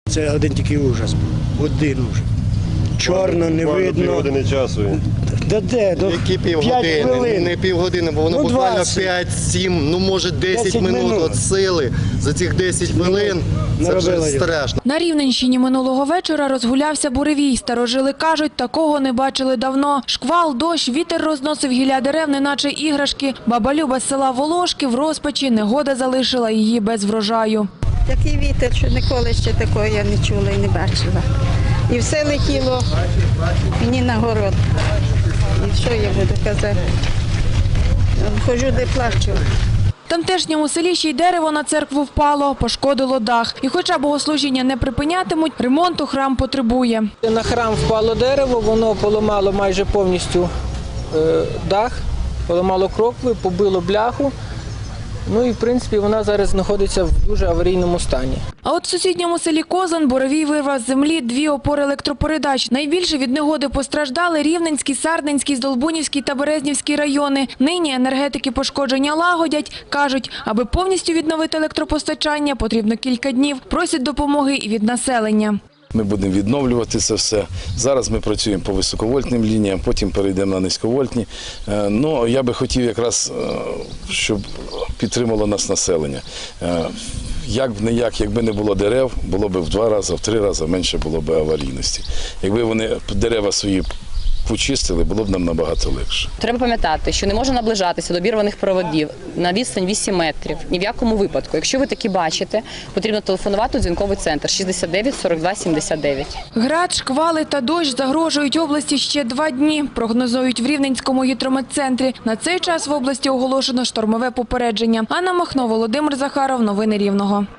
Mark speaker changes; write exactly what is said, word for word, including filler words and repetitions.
Speaker 1: Це один тільки ужас був, один ужас. Чорно, не видно.
Speaker 2: Півгодини часу.
Speaker 1: Да де? До
Speaker 3: Які півгодини? Не півгодини, бо воно
Speaker 1: Ну,
Speaker 3: буквально п'ять-сім, ну може десять минут від сили. За цих десять хвилин це вже страшно.
Speaker 4: На Рівненщині минулого вечора розгулявся буревій. Старожили кажуть, такого не бачили давно. Шквал, дощ, вітер розносив гілля дерев, неначе іграшки. Баба Люба з села Волошки в розпачі, негода залишила її без врожаю.
Speaker 5: Такий вітер, що ніколи ще такого я не чула і не бачила. І все летіло мені на город. І що я буду казати? Ходжу, де плачу.
Speaker 4: В тамтешньому селі ще й дерево на церкву впало, пошкодило дах. І хоча богослужіння не припинятимуть, ремонту храм потребує.
Speaker 6: На храм впало дерево, воно поламало майже повністю е, дах, поламало крокви, побило бляху. Ну і, в принципі, вона зараз знаходиться в дуже аварійному стані.
Speaker 4: А от в сусідньому селі Козан буревій вирвав з землі дві опори електропередач. Найбільше від негоди постраждали Рівненський, Сарненський, Здолбунівський та Березнівський райони. Нині енергетики пошкодження лагодять. Кажуть, аби повністю відновити електропостачання, потрібно кілька днів. Просять допомоги і від населення.
Speaker 7: Ми будемо відновлювати це все. Зараз ми працюємо по високовольтним лініям, потім перейдемо на низьковольтні. Ну, я би хотів якраз, щоб підтримало нас населення. Як б не як, якби не було дерев, було б в два рази, в три рази менше було б аварійності. Якби вони дерева свої почистили, було б нам набагато легше.
Speaker 8: Треба пам'ятати, що не можна наближатися до обірваних проводів на відстань вісім метрів. Ні в якому випадку. Якщо ви такі бачите, потрібно телефонувати у дзвінковий центр шістдесят дев'ять сорок два сімдесят дев'ять.
Speaker 4: Град, шквали та дощ загрожують області ще два дні, прогнозують в Рівненському гідрометцентрі. На цей час в області оголошено штормове попередження. Анна Махно, Володимир Захаров. Новини Рівного.